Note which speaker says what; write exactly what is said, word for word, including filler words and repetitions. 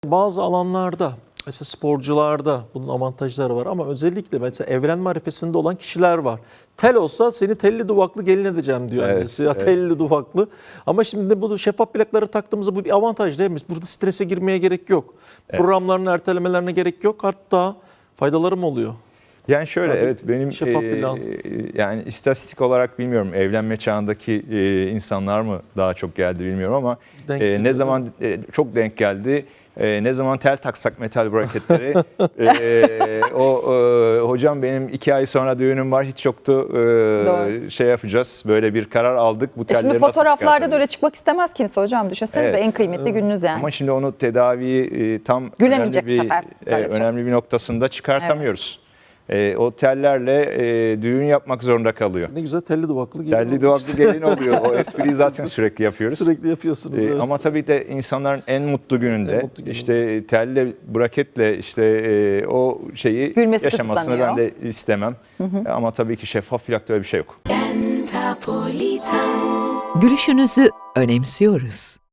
Speaker 1: Bazı alanlarda, mesela sporcularda bunun avantajları var ama özellikle mesela evlenme arifesinde olan kişiler var. Tel olsa seni telli duvaklı gelin edeceğim diyor
Speaker 2: Evet,
Speaker 1: annesi. Ya
Speaker 2: evet.
Speaker 1: telli duvaklı. Ama şimdi bu şeffaf plakları taktığımızda bu bir avantaj değil mi? Burada strese girmeye gerek yok.
Speaker 2: Evet.
Speaker 1: Programların ertelemelerine gerek yok. Hatta faydaları mı oluyor?
Speaker 2: Yani şöyle,
Speaker 1: Tabii,
Speaker 2: evet, benim
Speaker 1: şeffaf
Speaker 2: e,
Speaker 1: plan.
Speaker 2: yani istatistik olarak bilmiyorum, evlenme çağındaki e, insanlar mı daha çok geldi bilmiyorum ama
Speaker 1: Denk
Speaker 2: e,
Speaker 1: geliyor,
Speaker 2: ne zaman e, çok denk geldi. E, ne zaman tel taksak metal braketlere e, o e, hocam benim iki ay sonra düğünüm var, hiç yoktu, e,
Speaker 3: Doğru.
Speaker 2: şey yapacağız, böyle bir karar aldık, bu
Speaker 3: E
Speaker 2: telleri
Speaker 3: Şimdi
Speaker 2: nasıl
Speaker 3: fotoğraflarda da öyle
Speaker 2: çıkartabiliriz?
Speaker 3: çıkmak istemez kimse hocam. Düşünsenize,
Speaker 2: Evet.
Speaker 3: en kıymetli gününüz yani.
Speaker 2: Ama şimdi onu tedaviyi e, tam
Speaker 3: Gülemeyecek
Speaker 2: önemli
Speaker 3: bu
Speaker 2: bir,
Speaker 3: sefer.
Speaker 2: e,
Speaker 3: Böyle çok.
Speaker 2: önemli bir noktasında çıkartamıyoruz. E, o tellerle e, düğün yapmak zorunda kalıyor.
Speaker 1: Ne güzel telli duvaklı gelin
Speaker 2: Telli
Speaker 1: oluyor
Speaker 2: duvaklı
Speaker 1: işte.
Speaker 2: gelin oluyor. O espriyi zaten sürekli yapıyoruz.
Speaker 1: Sürekli yapıyorsunuz.
Speaker 2: E,
Speaker 1: evet.
Speaker 2: Ama tabii de insanların en mutlu gününde
Speaker 1: En mutlu gününde.
Speaker 2: işte telle, braketle işte e, o şeyi
Speaker 3: Gülmesi
Speaker 2: yaşamasını ben
Speaker 3: kısıtlanıyor.
Speaker 2: de istemem. Ama tabii ki şeffaf plakta öyle bir şey yok.
Speaker 4: Gülüşünüzü önemsiyoruz.